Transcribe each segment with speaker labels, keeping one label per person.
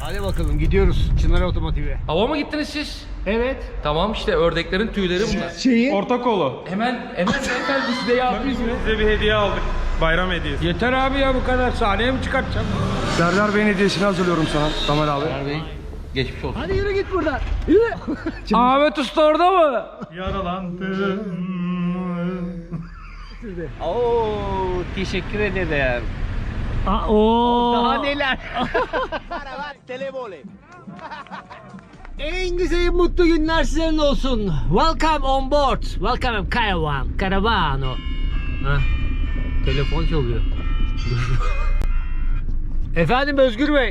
Speaker 1: Hadi bakalım gidiyoruz Çınar Otomotiv'e.
Speaker 2: Hava mı gittiniz siz?
Speaker 1: Evet.
Speaker 2: Tamam işte ördeklerin tüyleri bunlar.
Speaker 1: Şeyi.
Speaker 3: Orta kolu.
Speaker 2: Hemen beyefendi size yardımcı mı?
Speaker 3: Size bir hediye aldık. Bayram hediyesi.
Speaker 1: Yeter abi ya bu kadar. Sahneye mi çıkartacağım?
Speaker 3: Serdar Bey'in hediyesini hazırlıyorum sana Tamer abi.
Speaker 2: Ömer Bey geçmiş olsun.
Speaker 1: Hadi yürü git buradan. Yürü.
Speaker 2: Ahmet Usta orada mı?
Speaker 3: Yaralandım.
Speaker 1: Oo, teşekkür ederim. Daha neler? En güzel mutlu günler sizin olsun. Welcome on board. Welcome Caravano. Hah. Telefon çalıyor. Efendim Özgür Bey.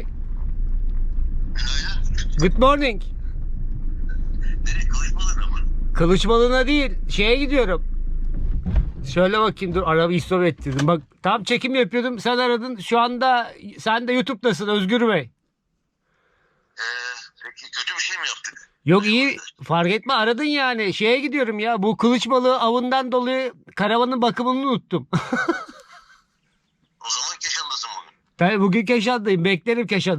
Speaker 1: Good morning.
Speaker 4: Nereye? Kılıçmalarına mı?
Speaker 1: Kılıçbalığına değil, şeye gidiyorum. Şöyle bakayım, dur arabayı stop ettirdim. Bak tam çekim yapıyordum, sen aradın. Şu anda sen de YouTube'dasın Özgür Bey.
Speaker 4: Peki kötü bir şey mi yaptık?
Speaker 1: Yok iyi, fark etme, aradın yani. Şeye gidiyorum ya, bu kılıç balığı avından dolayı karavanın bakımını unuttum.
Speaker 4: O zaman Keşan'dasın bugün.
Speaker 1: Ben bugün Keşan'dayım, beklerim Keşan'da.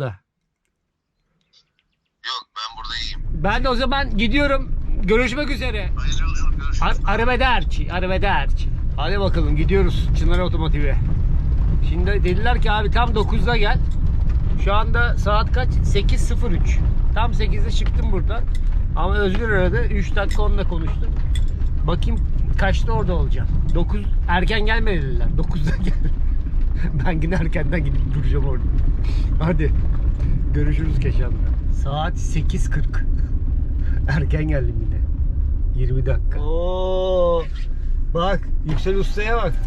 Speaker 4: Yok, ben burada iyiyim.
Speaker 1: Ben de o zaman gidiyorum. Görüşmek üzere.
Speaker 4: Hayırlı yolculuk, görüşürüz.
Speaker 1: Arrivederci. Hadi bakalım gidiyoruz Çınar Otomotiv'e. Şimdi dediler ki abi tam 9'da gel. Şu anda saat kaç? 8:03. Tam 8'de çıktım buradan. Ama Özgür aradı. 3 dakika onunla konuştum. Bakayım kaçta orada olacağım. 9 erken gelme dediler. 9'da gel. Ben yine erkenden gidip duracağım orada. Hadi. Görüşürüz Keşan'da. Saat 8:40. Erken geldim yine. 20 dakika. Oo! Bak, Yüksel Usta'ya bak.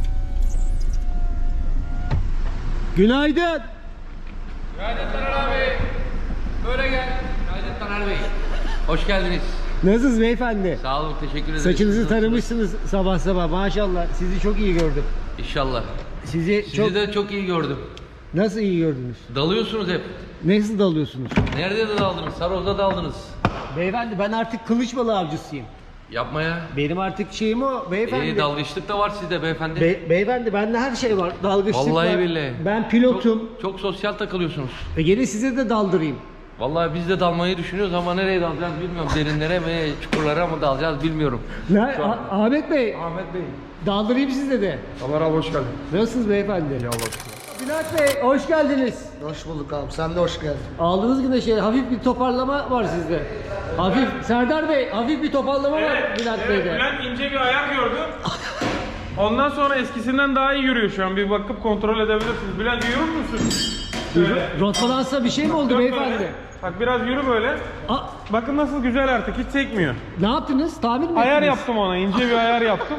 Speaker 1: Günaydın.
Speaker 2: Günaydın Taner abi. Böyle gel. Günaydın Taner Bey. Hoş geldiniz.
Speaker 1: Nasılsınız beyefendi?
Speaker 2: Sağ olun, teşekkür ederim.
Speaker 1: Saçınızı
Speaker 2: Siz
Speaker 1: taramışsınız sabah sabah. Maşallah. Sizi çok iyi gördüm.
Speaker 2: İnşallah.
Speaker 1: Sizi
Speaker 2: Sizi
Speaker 1: çok
Speaker 2: de çok iyi gördüm.
Speaker 1: nasıl iyi gördünüz?
Speaker 2: Dalıyorsunuz hep.
Speaker 1: Nasıl dalıyorsunuz?
Speaker 2: Nerede de daldınız? Saroz'da daldınız.
Speaker 1: Beyefendi ben artık kılıç balığı avcısıyım.
Speaker 2: Yapmaya.
Speaker 1: Benim artık şeyim o beyefendi.
Speaker 2: İyi dalgıçlık da var sizde beyefendi.
Speaker 1: Beyefendi bende her şey var. Dalgıçlık
Speaker 2: Vallahi
Speaker 1: var.
Speaker 2: billahi.
Speaker 1: Ben pilotum.
Speaker 2: Çok sosyal takılıyorsunuz.
Speaker 1: Gelin size de daldırayım.
Speaker 2: Vallahi biz de dalmayı düşünüyoruz ama nereye dalacağız bilmiyorum. Derinlere mi, çukurlara mı dalacağız bilmiyorum.
Speaker 1: Ahmet Bey,
Speaker 2: Ahmet Bey.
Speaker 1: daldırayım size de.
Speaker 3: Tamer abi hoş geldin.
Speaker 1: Nasılsınız beyefendi? Bülent Bey, hoş geldiniz.
Speaker 5: Hoş bulduk abi. Sen de hoş geldin.
Speaker 1: Aldığınız gibi şey, hafif bir toparlama var sizde. Hafif, Serdar Bey, hafif bir toparlama var Bülent Bey'de.
Speaker 3: Bülent ince bir ayak gördüm. Ondan sonra eskisinden daha iyi yürüyor şu an. Bir bakıp kontrol edebilirsiniz. Bülent yürür müsün? Şöyle.
Speaker 1: Rotbalansa bir şey mi oldu
Speaker 3: Dön
Speaker 1: beyefendi?
Speaker 3: böyle. Bak biraz yürü böyle.
Speaker 1: Aa,
Speaker 3: Bakın nasıl güzel artık. Hiç sekmiyor.
Speaker 1: ne yaptınız? Tamir mi
Speaker 3: Ayar
Speaker 1: ettiniz?
Speaker 3: yaptım ona. İnce bir ayar yaptım.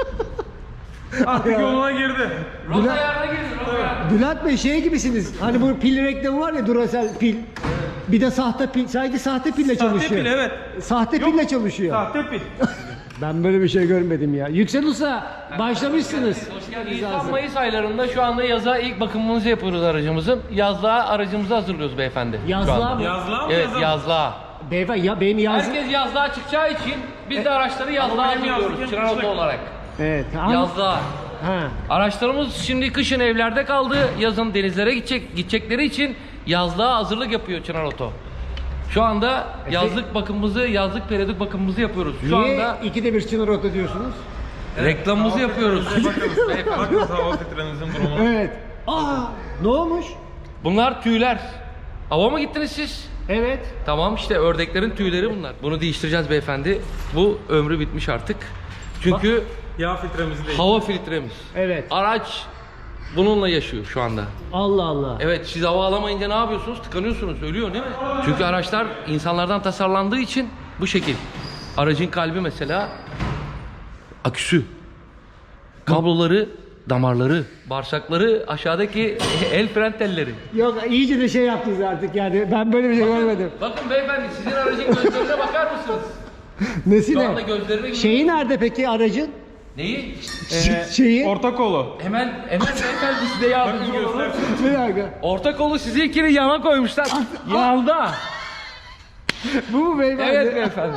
Speaker 3: Artık yoluna girdi.
Speaker 2: Rota ayarına girdin.
Speaker 1: Bülent Bey şey gibisiniz. Hani bu pil reklamı var ya, Duracell pil. Bir de sahte pil. Sadece sahte pille
Speaker 3: Sahte
Speaker 1: çalışıyor.
Speaker 3: pil evet.
Speaker 1: Sahte
Speaker 3: Yok.
Speaker 1: pille çalışıyor.
Speaker 3: Sahte pil.
Speaker 1: Ben böyle bir şey görmedim ya. Yüksel Usta başlamışsınız.
Speaker 2: Nisan-Mayıs aylarında şu anda yaza ilk bakımımızı yapıyoruz aracımızın. Yazlığa aracımızı hazırlıyoruz beyefendi. şu
Speaker 1: Yazlığa
Speaker 2: anda.
Speaker 1: mı?
Speaker 3: Yazlığa mı
Speaker 2: Evet
Speaker 3: yazalım?
Speaker 2: yazlığa.
Speaker 1: Beyefendi ya benim yazım.
Speaker 2: Herkes yazlığa çıkacağı için biz de araçları yazlığa
Speaker 3: benim yazlık
Speaker 2: hazırlıyoruz. Çınar
Speaker 3: yapmışlar.
Speaker 2: Oto olarak.
Speaker 1: Evet. Ama-
Speaker 2: Yazlığa.
Speaker 1: Ha.
Speaker 2: Araçlarımız şimdi kışın evlerde kaldı. Yazın denizlere gidecekleri için yazlığa hazırlık yapıyor Çınar Oto. Şu anda yazlık bakımımızı, yazlık periyodik bakımımızı yapıyoruz. Şu
Speaker 1: Niye
Speaker 2: anda
Speaker 1: ikide bir Çınar Oto diyorsunuz?
Speaker 2: reklamımızı yapıyoruz.
Speaker 3: Bakın hava filtrenizin durumuna.
Speaker 1: Evet. Aa, ne olmuş?
Speaker 2: Bunlar tüyler. Hava mı gittiniz siz?
Speaker 1: Evet.
Speaker 2: Tamam işte ördeklerin tüyleri bunlar. Bunu değiştireceğiz beyefendi. Bu ömrü bitmiş artık. Çünkü
Speaker 3: Yağ filtremizi değil.
Speaker 2: hava filtremiz.
Speaker 1: Evet.
Speaker 2: Araç bununla yaşıyor şu anda.
Speaker 1: Allah Allah.
Speaker 2: Evet siz hava alamayınca ne yapıyorsunuz? Tıkanıyorsunuz, ölüyor değil mi? Çünkü araçlar insanlardan tasarlandığı için bu şekil. Aracın kalbi mesela aküsü, kabloları, damarları, bağırsakları, aşağıdaki el fren telleri.
Speaker 1: Yok iyice de şey yaptınız artık yani. Ben böyle bir şey görmedim.
Speaker 2: Bakın beyefendi sizin aracın gözlerine bakar mısınız? Şu anda
Speaker 1: Nesine?
Speaker 2: gözlerine
Speaker 1: Şeyi nerede peki aracın?
Speaker 2: Neyi?
Speaker 1: Şeyi?
Speaker 3: Orta kolu.
Speaker 2: Hemen beyefendi size yardımcı
Speaker 3: Bakın
Speaker 2: olalım.
Speaker 3: göstersin.
Speaker 1: Bir dakika.
Speaker 2: Orta kolu sizi ikili yana koymuşlar. Yanda.
Speaker 1: Bu mu beyefendi?
Speaker 2: Evet beyefendi.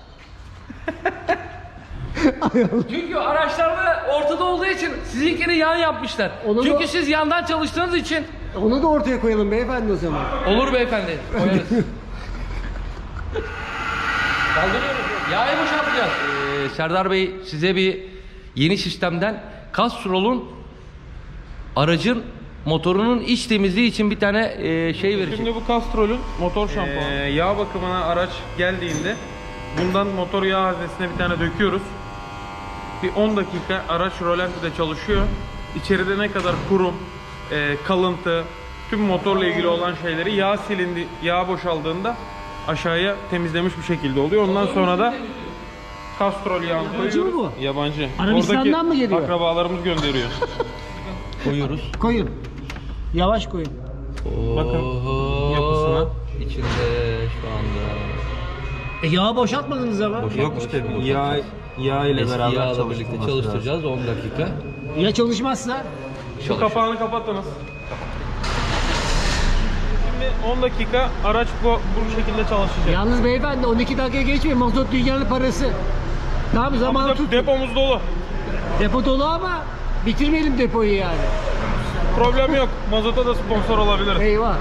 Speaker 2: Çünkü araçlarda ortada olduğu için sizinkini yan yapmışlar.
Speaker 1: Onu
Speaker 2: Çünkü
Speaker 1: da-
Speaker 2: siz yandan çalıştığınız için
Speaker 1: Onu da ortaya koyalım beyefendi o zaman.
Speaker 2: Olur beyefendi. Koyarız. Kaldırıyoruz. Yağı boşaltacağız. Serdar Bey size bir yeni sistemden Castrol'un aracın motorunun iç temizliği için bir tane şey verecek.
Speaker 3: Şimdi bu Castrol'ün motor şampuanı. Yağ bakımına araç geldiğinde bundan motor yağ haznesine bir tane döküyoruz. Bir 10 dakika araç rolantide çalışıyor. İçeride ne kadar kurum, kalıntı, tüm motorla ilgili olan şeyleri yağ silindi, yağ boşaldığında aşağıya temizlemiş bir şekilde oluyor. Ondan sonra da Castrol yağını
Speaker 1: Yabancı mı
Speaker 3: koyuyoruz.
Speaker 1: bu?
Speaker 3: Yabancı.
Speaker 1: Arabistan'dan
Speaker 3: Oradaki
Speaker 1: mı geliyor?
Speaker 3: akrabalarımız gönderiyor.
Speaker 2: Koyuyoruz.
Speaker 1: Koyun. Yavaş koyun.
Speaker 3: Bakın yapısına.
Speaker 2: İçinde şu anda.
Speaker 1: Yağı boşaltmadınız ama.
Speaker 3: Yok işte yağ ile
Speaker 2: Eski
Speaker 3: beraber
Speaker 2: yağla birlikte çalıştıracağız 10 dakika.
Speaker 1: Ya çalışmazsa?
Speaker 3: Şu kapağını kapattınız. Şimdi 10 dakika araç bu şekilde çalışacak.
Speaker 1: Yalnız beyefendi 12 dakika geçmeyin. Mazot dünyanın parası. Tamam
Speaker 3: Ama
Speaker 1: zaman tut.
Speaker 3: depomuz dolu.
Speaker 1: Depo dolu ama bitirmeyelim depoyu yani.
Speaker 3: Problem yok. Mazota da sponsor olabilir.
Speaker 1: Eyvah.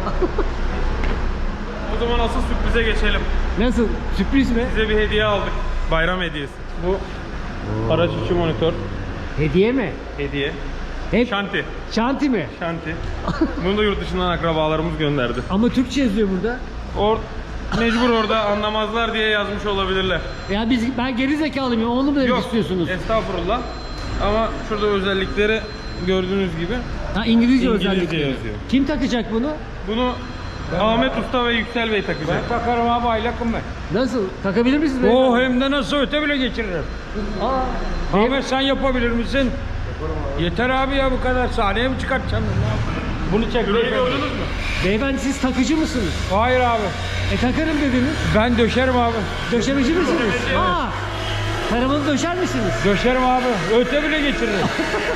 Speaker 3: O zaman asıl sürprize geçelim.
Speaker 1: Nasıl? Sürpriz mi?
Speaker 3: Size bir hediye aldık. Bayram hediyesi. Bu araç içi monitör
Speaker 1: Hediye mi?
Speaker 3: hediye.
Speaker 1: Hep
Speaker 3: Şanti.
Speaker 1: şanti mi?
Speaker 3: Şanti. Bunu da yurt dışından akrabalarımız gönderdi.
Speaker 1: Ama Türkçe yazıyor burada.
Speaker 3: Mecbur orada anlamazlar diye yazmış olabilirler.
Speaker 1: Ya ben geri zekalıyım ya onu mu demek istiyorsunuz?
Speaker 3: Estağfurullah. Ama şurada özellikleri gördüğünüz gibi.
Speaker 1: Ha İngilizce,
Speaker 3: İngilizce
Speaker 1: özellikle.
Speaker 3: yazıyor.
Speaker 1: Kim takacak bunu?
Speaker 3: Bunu Ahmet Usta ve Yüksel Bey takacak.
Speaker 6: Takarım abi aylakım ben.
Speaker 1: Nasıl? Takabilir misiniz?
Speaker 6: O hem de nasıl öte bile geçiririm.
Speaker 1: Aa,
Speaker 6: Ahmet sen yapabilir misin? Yeter abi ya bu kadar. Sahneye mi çıkartacaksın? Bunu çek.
Speaker 1: beyefendi siz takıcı mısınız?
Speaker 6: Hayır abi.
Speaker 1: Takarım dediniz.
Speaker 6: Ben döşerim abi.
Speaker 1: Döşemeci misiniz? Aa, karavanı döşer misiniz?
Speaker 6: Döşerim abi. Öte bile geçiririm.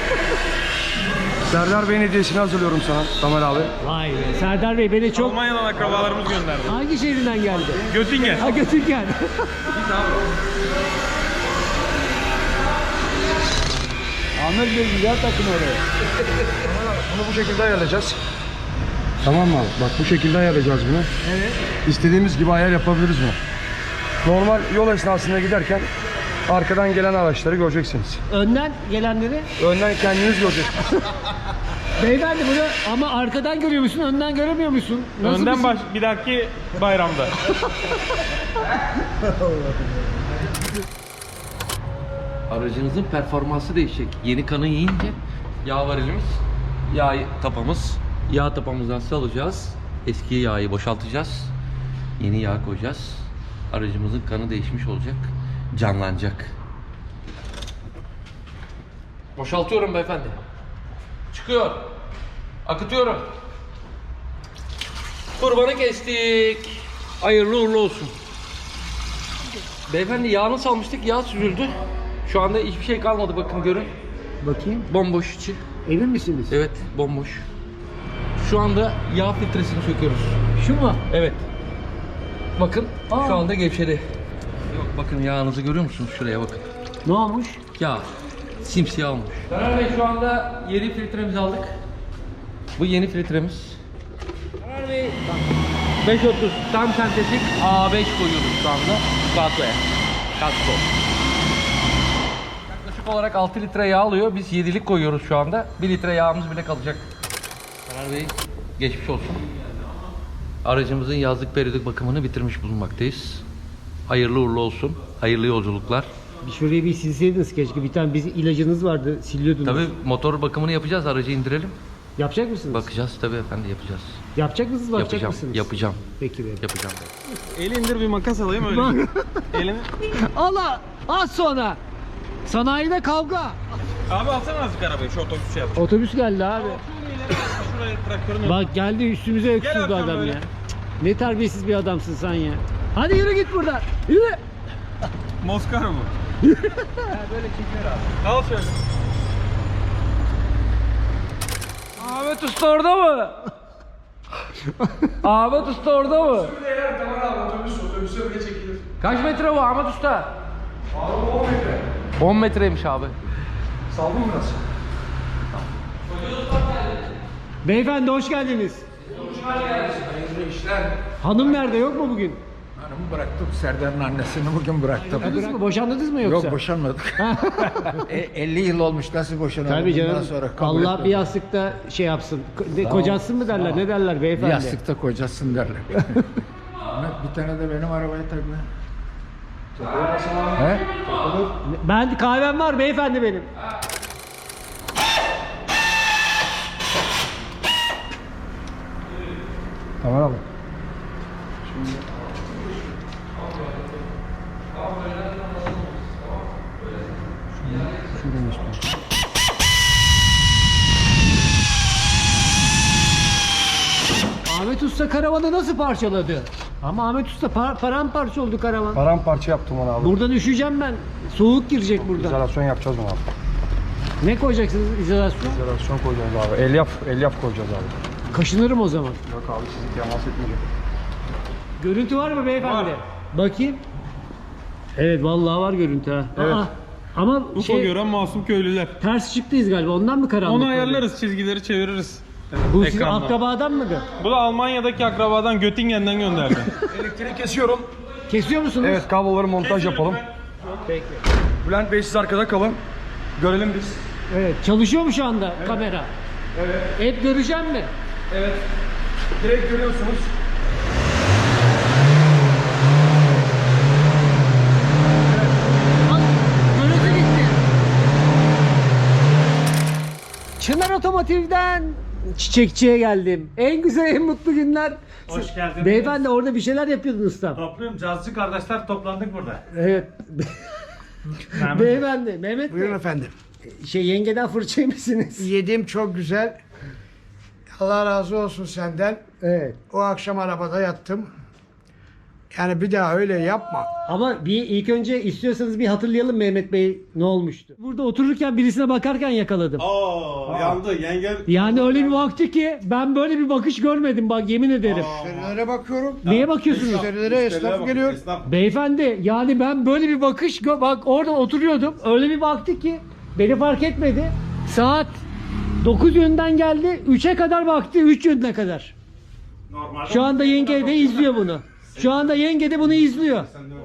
Speaker 5: Serdar Bey'in hediyesini hazırlıyorum sana Tamer abi.
Speaker 1: Vay be. Serdar Bey beni çok...
Speaker 3: Almanya'dan akrabalarımız gönderdi.
Speaker 1: Hangi şehrinden geldi?
Speaker 3: Göttingen.
Speaker 1: Ha Göttingen.
Speaker 6: Ahmet Bey güzel takım oraya.
Speaker 5: Bunu bu şekilde ayarlayacağız. Tamam mı abi? Bak bu şekilde ayarlayacağız bunu. Evet. İstediğimiz gibi ayar yapabiliriz bunu. Normal yol esnasında giderken arkadan gelen araçları göreceksiniz.
Speaker 1: Önden gelenleri.
Speaker 5: Önden kendiniz göreceksiniz.
Speaker 1: Beyefendi bunu ama arkadan görüyor musun, önden göremiyor musun? Nasıl
Speaker 3: Önden
Speaker 1: bir-
Speaker 3: bir dahaki bayramda.
Speaker 2: Aracınızın performansı değişecek. Yeni kanı yiyince yağ var elimiz. Yağ tapamız. Yağ tapamızdan salacağız. Eski yağı boşaltacağız. Yeni yağ koyacağız. Aracımızın kanı değişmiş olacak. Canlanacak. Boşaltıyorum beyefendi. Çıkıyor. Akıtıyorum. Kurbanı kestik. Hayırlı uğurlu olsun. Beyefendi yağını salmıştık. Yağ süzüldü. Şu anda hiçbir şey kalmadı, bakın görün.
Speaker 1: Bakayım.
Speaker 2: Bomboş içi.
Speaker 1: Emin misiniz?
Speaker 2: Evet, bomboş. Şu anda yağ filtresini söküyoruz.
Speaker 1: Şu mu?
Speaker 2: Evet. Bakın
Speaker 1: Aa.
Speaker 2: şu anda gevşedi. Yok, bakın yağınızı görüyor musunuz? Şuraya bakın.
Speaker 1: Ne olmuş?
Speaker 2: Yağ. Simsiyah olmuş. Karar Bey, şu anda yeni filtremizi aldık. Bu yeni filtremiz. Karar Bey. 530 tam sentetik A5 koyuyoruz şu anda. Kaskoya. Kasko. Yaklaşık olarak 6 litre yağ alıyor. Biz 7'lik koyuyoruz şu anda. 1 litre yağımız bile kalacak. Karar Bey, geçmiş olsun. Aracımızın yazlık periyodik bakımını bitirmiş bulunmaktayız. Hayırlı uğurlu olsun. Hayırlı yolculuklar.
Speaker 1: Bir şurayı bir silseydiniz keşke. Bir tane bizim ilacınız vardı. Siliyordunuz.
Speaker 2: Tabii motor bakımını yapacağız. Aracı indirelim.
Speaker 1: Yapacak mısınız?
Speaker 2: Bakacağız tabii efendi, yapacağız.
Speaker 1: Yapacak mısınız? Bakacak
Speaker 2: Yapacağım.
Speaker 1: mısınız?
Speaker 2: Yapacağım.
Speaker 1: Peki be.
Speaker 2: Yapacağım.
Speaker 3: El indir bir makas alayım öyle. Elini.
Speaker 1: Allah! Az sonra. Sanayide kavga.
Speaker 3: Abi alsana azıcık arabayı şu otobüs şey yap.
Speaker 1: Otobüs geldi abi.
Speaker 3: Şuraya traktörün
Speaker 1: Bak geldi üstümüze öksürdü
Speaker 3: Hakan
Speaker 1: adam
Speaker 3: böyle.
Speaker 1: ya. Ne terbiyesiz bir adamsın sen ya. Hadi yürü git buradan. Yürü.
Speaker 3: Moskar mı? Böyle çeker abi. Al şöyle.
Speaker 6: Ahmet Usta orada mı? Ahmet Usta orada mı?
Speaker 5: Otobüse bile çekilir.
Speaker 2: Kaç metre bu Ahmet Usta?
Speaker 5: Abi 10 metre.
Speaker 2: 10 metreymiş abi.
Speaker 5: Saldın mı biraz?
Speaker 1: Beyefendi hoş geldiniz.
Speaker 6: Hayırlı işler.
Speaker 1: Hanım nerede, yok mu bugün?
Speaker 6: Hanımı bıraktım. Serdar'ın annesini bugün bıraktım.
Speaker 1: Boşandınız mı? Boşandınız mı yoksa?
Speaker 6: Yok boşanmadık. 50 yıl olmuş nasıl boşanalım?
Speaker 1: Tabii
Speaker 6: Bundan
Speaker 1: canım.
Speaker 6: sonra kabul
Speaker 1: Allah
Speaker 6: etmem.
Speaker 1: bir yastıkta şey yapsın. Kocasın mı derler? Ne derler
Speaker 6: Bir
Speaker 1: beyefendi?
Speaker 6: yastıkta kocasın derler. Ahmet bir tane de benim arabaya takma. He?
Speaker 1: Ben kahvem var beyefendi benim.
Speaker 5: Tamam abi.
Speaker 1: Ahmet Usta karavanı nasıl parçaladı? Ama Ahmet Usta paramparça oldu karavan.
Speaker 5: Paramparça yaptım onu abi.
Speaker 1: Buradan üşüyeceğim ben. Soğuk girecek buradan.
Speaker 5: İzolasyon yapacağız onu abi.
Speaker 1: Ne koyacaksınız izolasyon?
Speaker 5: İzolasyon koyacağız abi. Elyaf koyacağız abi.
Speaker 1: Kaşınırım o zaman.
Speaker 5: Yok abi sizi temas etmeyecek.
Speaker 1: Görüntü var mı beyefendi?
Speaker 3: Var.
Speaker 1: Bakayım. Evet vallahi var görüntü ha.
Speaker 3: Evet.
Speaker 1: Ama
Speaker 3: UFO gören masum köylüler.
Speaker 1: ters çıktıyız galiba. Ondan mı karanlık?
Speaker 3: Onu
Speaker 1: oluyor?
Speaker 3: ayarlarız, çizgileri çeviririz.
Speaker 1: Bu sizin
Speaker 3: Ekranda.
Speaker 1: akrabadan mıdır?
Speaker 3: Bu da Almanya'daki akrabadan Göttingen'den gönderdi.
Speaker 5: Elektriği kesiyorum.
Speaker 1: Kesiyor musunuz?
Speaker 5: Evet kabloları montaj yapalım.
Speaker 1: Peki.
Speaker 5: Bülent Bey siz arkada kalın. Görelim biz.
Speaker 1: Evet. Çalışıyor mu şu anda kamera?
Speaker 5: Evet.
Speaker 1: Hep göreceğim mi?
Speaker 5: Evet. Direkt görüyorsunuz.
Speaker 1: Bak, görüntü gitti. Çınar Otomotiv'den çiçekçiye geldim. En güzel, en mutlu günler.
Speaker 7: Hoş geldiniz.
Speaker 1: Beyefendi orada bir şeyler yapıyordun ustam.
Speaker 7: Topluyorum. Cazcı kardeşler toplandık burada.
Speaker 1: Evet.
Speaker 7: Mehmet.
Speaker 1: Beyefendi, Mehmet
Speaker 8: Buyurun
Speaker 1: Bey.
Speaker 8: efendim.
Speaker 1: Yengeden fırça yemişsiniz.
Speaker 8: Yedim çok güzel. Allah razı olsun senden.
Speaker 1: Evet.
Speaker 8: O akşam arabada yattım. Yani bir daha öyle yapma.
Speaker 1: Ama ilk önce istiyorsanız bir hatırlayalım Mehmet Bey ne olmuştu. Burada otururken birisine bakarken yakaladım.
Speaker 9: Yandı yengem.
Speaker 1: Yani öyle bir baktı ki ben böyle bir bakış görmedim bak yemin ederim.
Speaker 8: Müşterilere bakıyorum.
Speaker 1: Neye bakıyorsunuz?
Speaker 8: Müşterilere esnaf geliyor.
Speaker 1: Beyefendi yani ben böyle bir bakış bak orada oturuyordum. Öyle bir baktı ki beni fark etmedi. Saat 9 yönünden geldi. 3'e kadar baktı. 3 yönüne kadar.
Speaker 7: Normalde
Speaker 1: Şu anda yenge de izliyor bunu. Şu anda yenge de bunu izliyor.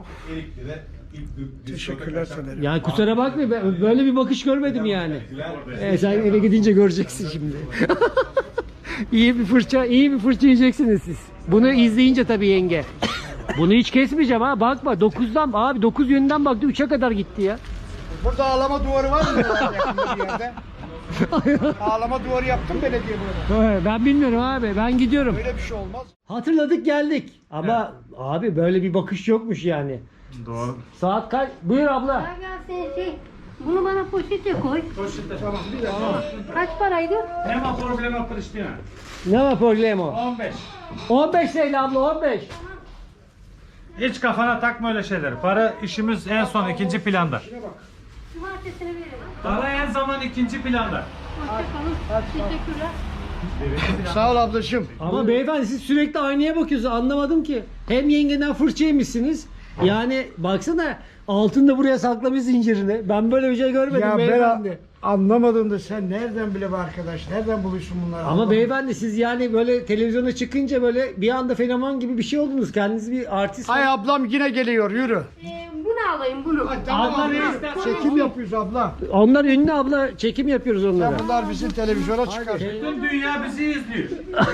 Speaker 8: Teşekkürler söylerim.
Speaker 1: Yani kusura bakma ben böyle bir bakış görmedim yani. Sen eve gidince göreceksin şimdi. iyi bir fırça yiyeceksiniz siz. Bunu izleyince tabii yenge. Bunu hiç kesmeyeceğim ha bakma 9'dan abi 9 yönünden baktı 3'e kadar gitti ya.
Speaker 8: Burada ağlama duvarı var mı yakında bir yerde? Ağlama duvarı yaptım belediye burada.
Speaker 1: Ben bilmiyorum abi ben gidiyorum.
Speaker 8: Öyle bir şey olmaz.
Speaker 1: Hatırladık geldik ama abi böyle bir bakış yokmuş yani.
Speaker 7: doğru.
Speaker 1: Saat kaç? Buyur abla.
Speaker 10: Bunu bana poşete koy.
Speaker 7: Poşette tamam.
Speaker 10: Kaç paraydı?
Speaker 7: Nema problema Pristina.
Speaker 1: Ne var problem o?
Speaker 7: 15.
Speaker 1: 15 TL abla 15.
Speaker 7: Hiç kafana takma öyle şeyler. Para işimiz en son ikinci planda.
Speaker 10: Cumartesini veririm.
Speaker 7: Para en zaman ikinci planda.
Speaker 10: Hoşçakalın. Teşekkürler.
Speaker 8: Sağ ol ablacığım.
Speaker 1: Ama beyefendi siz sürekli aynaya bakıyorsunuz anlamadım ki. Hem yengeden fırça yemişsiniz. Yani baksana altında buraya saklamış zincirini. Ben böyle bir şey görmedim
Speaker 8: Ya
Speaker 1: beyefendi.
Speaker 8: ben anlamadım da sen nereden bile bu arkadaş? Nereden buluyorsun bunları?
Speaker 1: Ama beyefendi siz yani böyle televizyona çıkınca böyle bir anda fenomen gibi bir şey oldunuz. Kendiniz bir artist.
Speaker 8: Ay ablam yine geliyor yürü.
Speaker 10: Bunu alayım bunu.
Speaker 8: Tamam
Speaker 1: Abla
Speaker 8: abla.
Speaker 1: ne istersen
Speaker 8: Çekim yapıyoruz abla.
Speaker 1: Onlar ünlü abla çekim yapıyoruz onlara.
Speaker 8: Bunlar bizim televizyona çıkar.
Speaker 7: Bütün dünya bizi izliyor.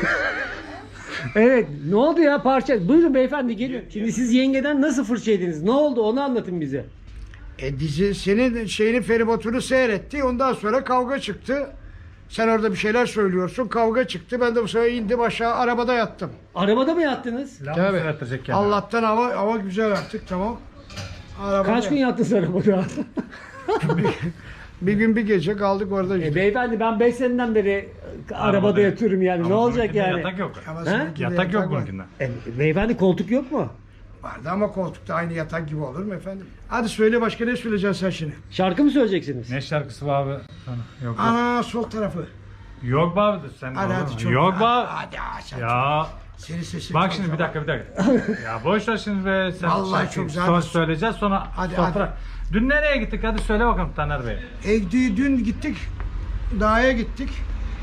Speaker 1: Evet ne oldu ya parça? Buyurun beyefendi gelin. Şimdi siz yengeden nasıl fırça yediniz? Ne oldu onu anlatın bize.
Speaker 8: Dizi senin şeyini feribotunu seyretti. Ondan sonra kavga çıktı. Sen orada bir şeyler söylüyorsun. Kavga çıktı. Ben de bu sefer indim aşağı arabada yattım.
Speaker 1: Arabada mı yattınız?
Speaker 8: Tabii.
Speaker 7: Söylettirecek kendini.
Speaker 8: Allah'tan hava güzel artık tamam. Arabada.
Speaker 1: Kaç gün yattınız arabada?
Speaker 8: Bir gün bir gece kaldık orada işte.
Speaker 1: Beyefendi ben 5 seneden beri arabada yatıyorum yani.
Speaker 7: Ama
Speaker 1: ne olacak
Speaker 7: bununkinde
Speaker 1: yani?
Speaker 7: Yatak yok.
Speaker 8: Ama
Speaker 1: He?
Speaker 8: seninkinde
Speaker 7: Yatak yok
Speaker 8: var.
Speaker 7: bununkinde.
Speaker 1: Beyefendi koltuk yok mu?
Speaker 8: Vardı ama koltukta aynı yatak gibi olur mu efendim? Hadi söyle başka ne söyleyeceksin sen şimdi?
Speaker 1: Şarkı mı söyleyeceksiniz?
Speaker 7: Ne şarkısı var abi? Sana? Yok.
Speaker 8: Ana sol tarafı.
Speaker 7: Yok be abi sen.
Speaker 8: Hadi
Speaker 7: olur
Speaker 8: hadi
Speaker 7: mu?
Speaker 8: çok.
Speaker 7: Yok be.
Speaker 8: Hadi sen.
Speaker 7: Ya
Speaker 8: Senin sesin
Speaker 7: bak
Speaker 8: çok
Speaker 7: şimdi bir
Speaker 8: güzel.
Speaker 7: dakika bir dakika. Ya boş ver şimdi be sen.
Speaker 8: Vallahi
Speaker 7: şarkıyı
Speaker 8: çok güzel.
Speaker 7: Sonra söyleyeceğiz sonra
Speaker 8: Hadi,
Speaker 7: sofra.
Speaker 8: hadi.
Speaker 7: Dün nereye gittik hadi söyle bakalım Taner Bey.
Speaker 8: Dün gittik. Dağa gittik.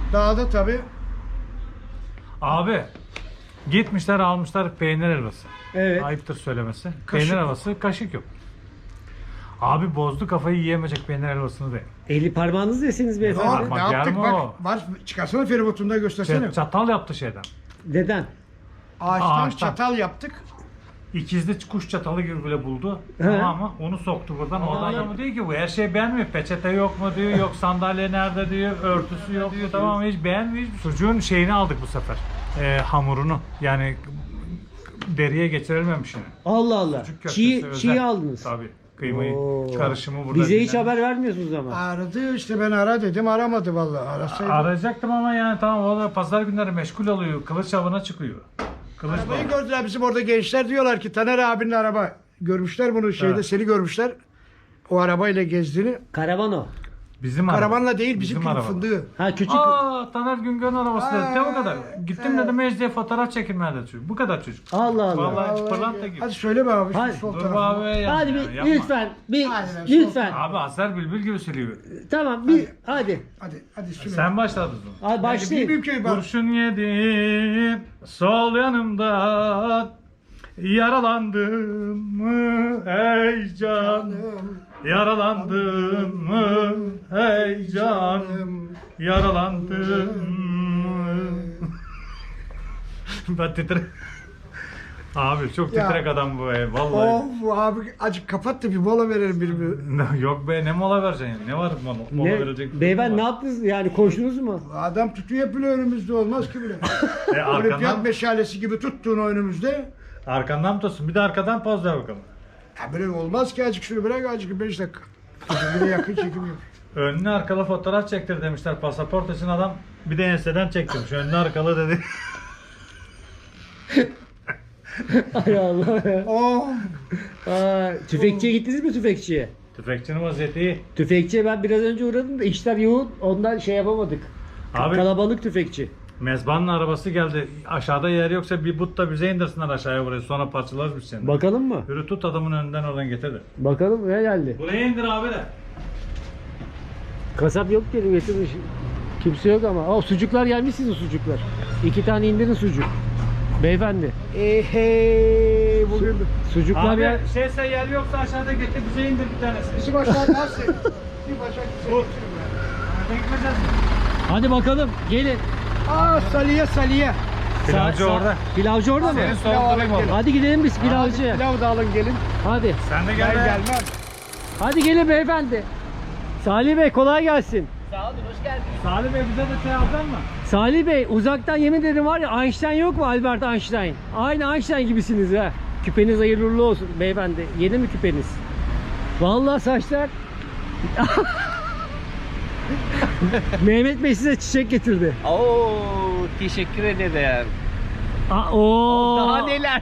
Speaker 8: Dağda tabii.
Speaker 7: Abi gitmişler almışlar peynir helvası.
Speaker 1: Evet.
Speaker 7: Ayıptır söylemesi.
Speaker 8: Kaşık
Speaker 7: peynir
Speaker 8: yok.
Speaker 7: helvası, kaşık yok. Abi bozdu kafayı, yiyemeyecek peynir helvasını da.
Speaker 1: Eli parmağınız deseniz
Speaker 8: Ne,
Speaker 1: beyefendi.
Speaker 7: Parmak
Speaker 8: ne yaptık
Speaker 7: yer mi
Speaker 8: bak.
Speaker 7: o?
Speaker 8: Var, çıkarsana feribotunda göstersene.
Speaker 7: Çatal yaptı şeyden.
Speaker 1: Neden?
Speaker 8: Ağaçtan
Speaker 7: Ağaçtan.
Speaker 8: çatal yaptık.
Speaker 7: İkizli kuş çatalı gibi bile buldu.
Speaker 1: He.
Speaker 7: Tamam mı? Onu soktu buradan. Oradan adamı diyor ki bu her şey beğenmiyor. Peçete yok mu diyor. Yok sandalye nerede diyor. Örtüsü yok diyor. Tamam hiç beğenmiyor. Sucuğun şeyini aldık bu sefer. Hamurunu. Yani deriye geçirilmemişini.
Speaker 1: Allah Allah.
Speaker 7: Sucuk köftesi özel.
Speaker 1: Çiğ aldınız.
Speaker 7: Tabii. Kıymayı
Speaker 1: Oo.
Speaker 7: karışımı burada.
Speaker 1: Bize hiç
Speaker 7: dinlenmiş.
Speaker 1: haber vermiyorsunuz ama.
Speaker 8: Aradı işte, ben ara dedim, aramadı vallahi. Arasaydı.
Speaker 7: Arayacaktım ama yani tamam o da pazar günleri meşgul oluyor. Kılıç avına çıkıyor. Kılıç
Speaker 8: Arabayı
Speaker 7: avı.
Speaker 8: gördüler bizim orada gençler, diyorlar ki Taner abinin araba. Görmüşler bunu şeyde,
Speaker 7: Evet.
Speaker 8: seni görmüşler. O arabayla gezdiğini.
Speaker 1: Karavan o.
Speaker 7: Bizim araba.
Speaker 8: Karavanla değil, bizim
Speaker 7: araba.
Speaker 8: fındığı.
Speaker 1: Ha küçük.
Speaker 7: Taner Güngör'ün arabası dedi. De o kadar. Gittim dedim Mecli'ye fotoğraf çekilmeye de çocuk. Bu kadar çocuk.
Speaker 1: Allah Allah.
Speaker 7: Vallahi hiç pırlanta gibi.
Speaker 8: Hadi söyle be abi, şu
Speaker 1: Hadi.
Speaker 8: sol
Speaker 7: Dur
Speaker 8: tarafa.
Speaker 7: abi ya.
Speaker 1: Hadi bir
Speaker 7: Yapma.
Speaker 1: lütfen. Bir
Speaker 8: Hadi be,
Speaker 1: lütfen.
Speaker 7: Abi Azer Bülbül gibi söylüyor.
Speaker 1: Tamam bir hadi.
Speaker 8: Hadi söyle.
Speaker 7: Sen başladın.
Speaker 1: Hadi başlayın.
Speaker 8: Bilmiyorum ki ben.
Speaker 7: Kurşun yedim sol yanımdan, yaralandım mı ey can, yaralandım mı ey can, yaralandım mı. Ben titre. Abi çok
Speaker 8: Ya.
Speaker 7: titrek adam bu vallahi.
Speaker 8: Of abi, acık kapat da bir mola verelim birbirine.
Speaker 7: Yok be ne mola vereceksin ya? Ne var mola
Speaker 1: Ne,
Speaker 7: verecek? bir
Speaker 1: beyefendi
Speaker 7: şey
Speaker 1: ne
Speaker 7: var?
Speaker 1: yaptınız yani, koştunuz mu?
Speaker 8: Adam tutuyor bile önümüzde, olmaz ki bile. Olimpiyat
Speaker 7: Arkandan,
Speaker 8: meşalesi gibi tuttuğun önümüzde.
Speaker 7: arkandan mı tutsun? Bir de arkadan poz ver bakalım.
Speaker 8: Ya böyle olmaz ki, acık şunu bırak, acık 5 dakika. Bir de yakın çekim yap.
Speaker 7: Önlü arkalı fotoğraf çektir demişler pasaport için, adam bir de enseden çektirmiş. Önlü arkalı dedi.
Speaker 1: Ay Allah ya.
Speaker 8: Oh.
Speaker 1: Aa, tüfekçiye gittiniz mi tüfekçiye?
Speaker 7: Tüfekçinin vaziyeti iyi.
Speaker 1: Tüfekçiye ben biraz önce uğradım da işler yoğun, ondan şey yapamadık.
Speaker 7: Abi
Speaker 1: Kalabalık tüfekçi.
Speaker 7: mezbanın arabası geldi. Aşağıda yer yoksa bir but da bize indirsinler aşağıya buraya. Sonra parçalarız biz seni.
Speaker 1: Bakalım mı?
Speaker 7: Yürü tut adamın önünden oradan getir de.
Speaker 1: Bakalım ne geldi?
Speaker 7: Buraya indir abi de.
Speaker 1: Kasap yok dedim, getirmiş. Kimse yok ama. Aa, sucuklar gelmiş, sizin sucuklar. 2 tane indirin sucuk. Beyefendi. Hey, bugün sucuklar
Speaker 7: Abi
Speaker 1: ya.
Speaker 7: şeyse yer yoksa aşağıda getir bize indir bir tanesini.
Speaker 8: Bizim aşağı nasıl? Bir bacak
Speaker 7: Dur. Bekmeyeceğiz.
Speaker 1: Hadi bakalım gelin.
Speaker 8: Aa, Saliye.
Speaker 7: Pilavcı orada.
Speaker 1: Pilavcı orada mı?
Speaker 7: Senin sordurayım oğlum.
Speaker 1: Hadi gidelim biz pilavcıya.
Speaker 8: Pilav da alın gelin.
Speaker 1: Hadi.
Speaker 7: Sen de
Speaker 8: Ben
Speaker 7: gel be.
Speaker 8: gelmem.
Speaker 1: Hadi gelin beyefendi. Salih Bey kolay gelsin.
Speaker 7: Salih Bey bize de şey alacaksın mı?
Speaker 1: Salih Bey uzaktan yemin ederim var ya, Einstein yok mu, Albert Einstein? Aynı Einstein gibisiniz ha. Küpeniz hayırlı uğurlu olsun beyefendi. Yeni mi küpeniz? Vallahi saçlar. Mehmet Bey size çiçek getirdi.
Speaker 11: Oo, teşekkür ederim.
Speaker 1: Oo.
Speaker 11: Daha neler?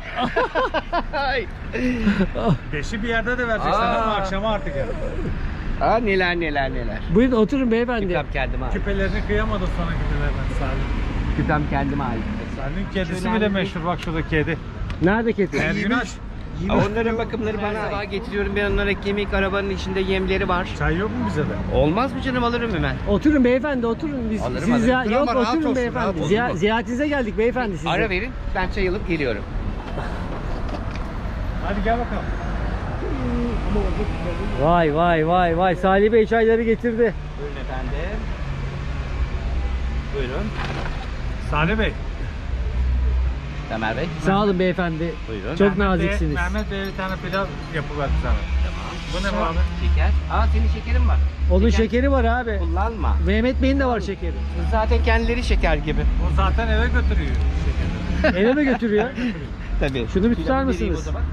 Speaker 7: Beşi bir yerde de vereceksin ama akşama artık yani.
Speaker 11: Aa, neler.
Speaker 1: Buyurun oturun beyefendi.
Speaker 11: Küpem kendime ait.
Speaker 7: Küpelerini kıyamadı sana küpelerden Salih.
Speaker 11: Küpem kendime ait.
Speaker 7: Salih'in kedisi bile meşhur, bak şurada kedi.
Speaker 1: Nerede kedi?
Speaker 7: Ergünaş.
Speaker 11: Onların bakımları bana sabah getiriyorum. Ben onlara kemik, arabanın içinde yemleri var.
Speaker 7: Çay yok mu bize de?
Speaker 11: Olmaz mı canım, alırım hemen.
Speaker 1: Oturun beyefendi, oturun. Biz
Speaker 11: Alırım,
Speaker 1: siz
Speaker 11: alırım.
Speaker 1: yok
Speaker 8: Ama rahat
Speaker 1: oturun
Speaker 8: olsun,
Speaker 1: beyefendi.
Speaker 8: rahat olsun.
Speaker 1: Ziyaretinize geldik beyefendi size.
Speaker 11: Ara verin, ben çay alıp geliyorum.
Speaker 7: Hadi gel bakalım.
Speaker 1: Vay Salih Bey çayları getirdi.
Speaker 11: Buyurun efendim. Buyurun.
Speaker 7: Salih Bey.
Speaker 11: Tamer Bey.
Speaker 1: Sağ olun beyefendi.
Speaker 11: Buyurun.
Speaker 1: Çok naziksiniz.
Speaker 7: Mehmet Bey bir tane pilav yapıverdi sana. Bu ne bu abi?
Speaker 11: Şeker. Aa, senin şekerin var.
Speaker 1: Onun şekeri var abi.
Speaker 11: Kullanma.
Speaker 1: Mehmet Bey'in de var şekeri.
Speaker 11: Zaten kendileri şeker gibi.
Speaker 7: O zaten eve götürüyor şekeri.
Speaker 1: Eve mi götürüyor?
Speaker 11: Tabii.
Speaker 1: Şunu bir tutar
Speaker 11: Pilavı vereyim
Speaker 1: mısınız?
Speaker 11: o zaman.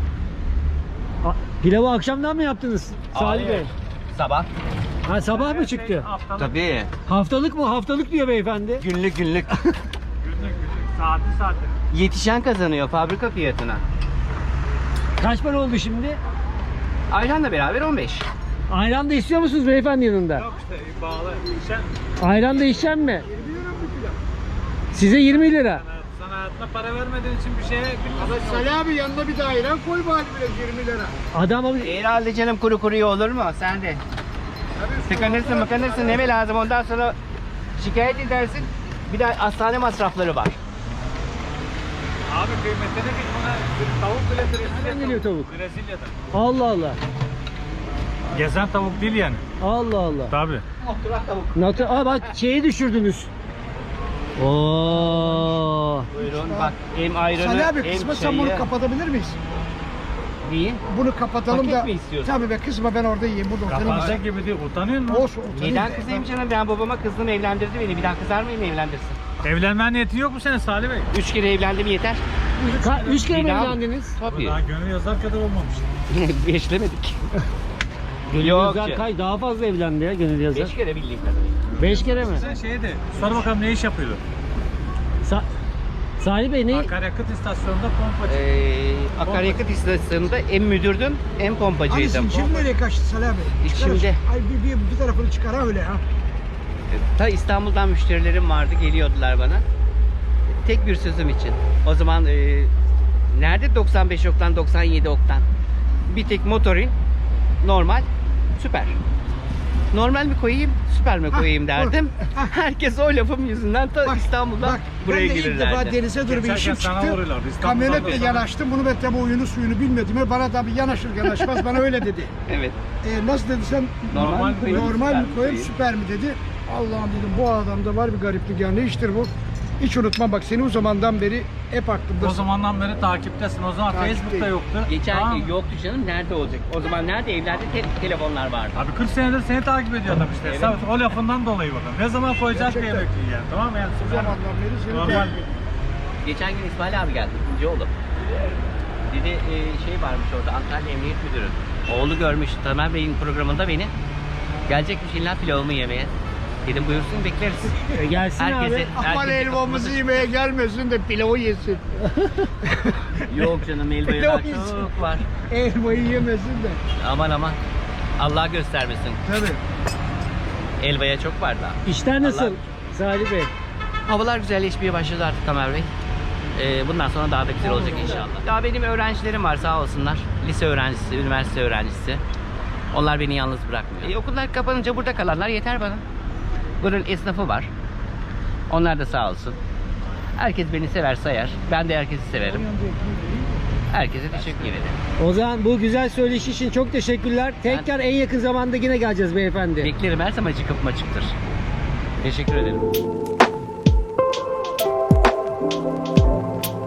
Speaker 1: Pilavı akşamdan mı yaptınız Salih Bey?
Speaker 11: Sabah.
Speaker 1: Ha, sabah mı çıktı?
Speaker 7: Haftalık,
Speaker 11: Tabii.
Speaker 1: Haftalık mı? Haftalık diyor beyefendi.
Speaker 11: Günlük.
Speaker 7: günlük. Saati.
Speaker 11: Yetişen kazanıyor fabrika fiyatına.
Speaker 1: Kaç para oldu şimdi?
Speaker 11: Ayranla beraber 15.
Speaker 1: Ayran da istiyor musunuz beyefendi yanında?
Speaker 7: Yok işte bağlı. Sen,
Speaker 1: Ayran da içecek mi? Size 20 lira.
Speaker 7: sana hayatına para vermediğin için bir şeye
Speaker 8: Ama Salih abi yanına bir de ayran koy bari bile 20 lira.
Speaker 1: Adam abi
Speaker 11: Herhalde canım, kuru kuruya olur mu? Sen de. Tıkanırsın ne mi lazım, ondan sonra Şikayet edersin. Bir de hastane masrafları var.
Speaker 7: Abi kıymetine git buna. Tavuk bile
Speaker 1: Nereden geliyor tavuk?
Speaker 7: Brezilya'dan.
Speaker 1: Allah Allah.
Speaker 7: Gezen tavuk değil yani.
Speaker 1: Allah Allah.
Speaker 7: Tabii.
Speaker 11: Oturak tavuk.
Speaker 1: Aa bak şeyi düşürdünüz. Oo.
Speaker 11: Buyurun bak hem ayranı
Speaker 8: Salih abi
Speaker 11: hem
Speaker 8: kısma sen
Speaker 11: çayı.
Speaker 8: bunu kapatabilir miyiz?
Speaker 11: Neyi?
Speaker 8: Bunu kapatalım
Speaker 11: Paket
Speaker 8: da.
Speaker 11: mi istiyorsun?
Speaker 8: Tabii be kızma ben orada yiyeyim. Burada oturayım.
Speaker 7: Kapanacak gibi değil. Utanıyor musun?
Speaker 8: Olsun oturayım.
Speaker 11: Neden
Speaker 8: da.
Speaker 11: kızayım canım? Ben babama kızdım evlendirdi beni. Bir daha kızar mıyım evlendirsin?
Speaker 7: Evlenmen niyeti yok mu senin Salih Bey?
Speaker 11: 3 kere evlendim yeter.
Speaker 1: 3 kere mi
Speaker 11: Bir daha mı?
Speaker 1: evlendiniz?
Speaker 11: Tabii.
Speaker 7: Daha gönül yazar kadar olmamış.
Speaker 11: Beşlemedik.
Speaker 1: Gönül
Speaker 11: Yok
Speaker 1: Yazar
Speaker 11: ya.
Speaker 1: daha fazla evlendi ya Gönül Yazar.
Speaker 11: 5 kere bildiğim kadarıyla.
Speaker 1: 5 kere mi?
Speaker 7: Sen şeye de sor bakalım ne iş yapıyordu?
Speaker 1: Salih Bey ne?
Speaker 7: Akaryakıt istasyonunda pompacı.
Speaker 11: Akaryakıt istasyonunda hem müdürdüm hem
Speaker 8: Hani
Speaker 11: pompacıydım.
Speaker 8: zincir nereye kaçtı Salih abi? Çıkar-
Speaker 11: İçimde.
Speaker 8: Ay bir tarafını çıkar ha öyle ha.
Speaker 11: Ta İstanbul'dan müşterilerim vardı, geliyordular bana. Tek bir sözüm için. O zaman nerede 95 oktan, 97 oktan? Bir tek motorin, normal, süper. Normal mi koyayım, süper mi koyayım derdim. Herkes o lafım yüzünden ta İstanbul'dan buraya
Speaker 8: ben de ilk defa
Speaker 11: gelirlerdi.
Speaker 8: denize dur bir
Speaker 7: Geçerken
Speaker 8: işim
Speaker 7: sana
Speaker 8: çıktı.
Speaker 7: vuruyorlardı. İstanbul'dan
Speaker 8: Kamyonetle
Speaker 7: da sana.
Speaker 8: yanaştım. Bunu ben tabi oyunu suyunu bilmedim. Bana tabi yanaşır yanaşmaz bana öyle dedi.
Speaker 11: Evet.
Speaker 8: Nasıl dedi sen?
Speaker 11: Normal mi koyayım,
Speaker 8: Normal
Speaker 11: süper
Speaker 8: mi
Speaker 11: mi
Speaker 8: koyayım
Speaker 11: koyayım?
Speaker 8: süper mi dedi. Allah'ım dedim bu adamda var bir gariplik ya ne iştir bu? Hiç unutmam bak seni o zamandan beri hep aklımdasın.
Speaker 7: O zamandan beri takiptesin. O zaman
Speaker 8: Takipteyim.
Speaker 7: Facebook'ta yoktu.
Speaker 11: Geçen
Speaker 7: Tamam mı?
Speaker 11: yoktu canım, nerede olacak? O zaman nerede evlerde telefonlar vardı.
Speaker 7: Abi 40 senedir seni takip ediyor adam işte.
Speaker 11: Evet.
Speaker 7: Sırf o lafından dolayı bakalım. Ne zaman koyacağız bir
Speaker 8: Gerçekten.
Speaker 7: emekliyi yani. Tamam mı? Yani
Speaker 8: O zamandan beri seni
Speaker 7: normal.
Speaker 8: takip ediyorum.
Speaker 11: Geçen gün İsmail abi geldi, ikinci oğlum. Dedi şey varmış orada, Antalya Emniyet Müdürü. Oğlu görmüş Tamer Bey'in programında beni. Gelecekmiş illa pilavımı yemeye. Dedim buyursun bekleriz.
Speaker 1: Gelsin abi.
Speaker 8: Aman
Speaker 11: herkese
Speaker 8: elmamızı
Speaker 11: kapımızı-
Speaker 8: yemeye gelmesin de pilavı yesin.
Speaker 11: Yok canım, elmayı
Speaker 8: Pilav
Speaker 11: daha
Speaker 8: yesin.
Speaker 11: çok var.
Speaker 8: Elmayı yemesin de.
Speaker 11: Aman aman. Allah göstermesin.
Speaker 8: Tabii.
Speaker 11: Elbaya çok var daha.
Speaker 1: İşler nasıl
Speaker 11: Allah-
Speaker 1: Salih Bey?
Speaker 11: Havalar güzelleşmeye başladı artık Tamer Bey. Bundan sonra daha da güzel olacak inşallah. Daha benim öğrencilerim var sağ olsunlar. Lise öğrencisi, üniversite öğrencisi. Onlar beni yalnız bırakmıyor. Okullar kapanınca burada kalanlar yeter bana. Bunun esnafı var. Onlar da sağ olsun. Herkes beni sever sayar. Ben de herkesi severim. Herkese teşekkür ederim.
Speaker 1: O zaman bu güzel söyleşi için çok teşekkürler. Tekrar en yakın zamanda yine geleceğiz beyefendi.
Speaker 11: Beklerim, her zaman kapım açıktır. Teşekkür ederim.